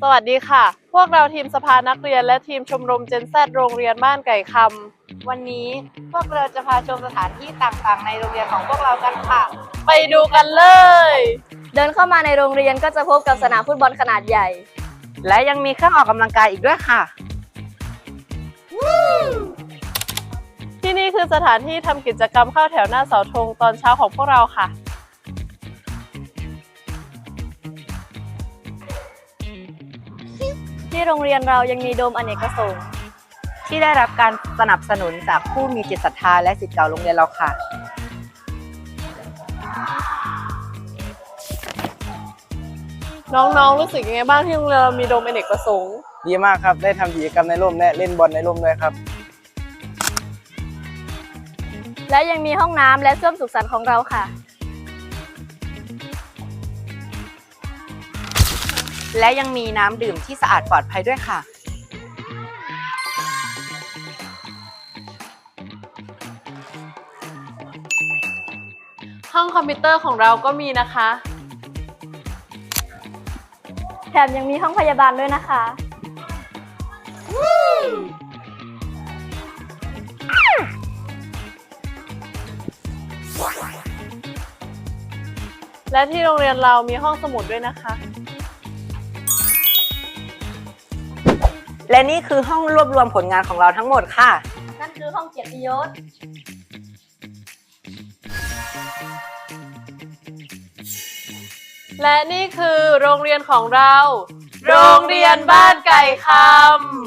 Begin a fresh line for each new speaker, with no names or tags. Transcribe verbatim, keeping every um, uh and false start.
วัสดีค่ะพวกเราทีมสภานักเรียนและทีมชมรมเจนแซดโรงเรียนบ้านไก่คำวันนี้พวกเราจะพาชมสถานที่ต่างๆในโรงเรียนของพวกเรากันค่ะไปดูกันเลย
เดินเข้ามาในโรงเรียนก็จะพบกับสนามฟุตบอลขนาดใหญ่
และยังมีเครื่องออกกำลังกายอีกด้วยค่ะ
ที่นี่คือสถานที่ทำกิจกรรมเข้าแถวหน้าเสาธงตอนเช้าของพวกเราค่ะ
ที่โรงเรียนเรายังมีโดมอเนกประสงค์
ที่ได้รับการสนับสนุนจากผู้มีจิตศรัทธาและศิษย์เก่าโรงเรียนเราค่ะ
น้องๆรู้สึกยังไงบ้างที่โรงเรียนเรามีโดมอเนกประสงค์
ดีมากครับได้ทำกิจกรรมในร่มและเล่นบอลในร่มด้วยครับ
และยังมีห้องน้ำและส้วมสุขสันต์ของเราค่ะ
และยังมีน้ำดื่มที่สะอาดปลอดภัยด้วยค่ะ
ห้องคอมพิวเตอร์ของเราก็มีนะคะ
แถมยังมีห้องพยาบาลด้วยนะคะ
และที่โรงเรียนเรามีห้องสมุดด้วยนะคะ
และนี่คือห้องรวบรวมผลงานของเราทั้งหมดค่ะ
นั่นคือห้องเกียรติยศ
และนี่คือโรงเรียนของเราโรงเรียนบ้านไก่คำ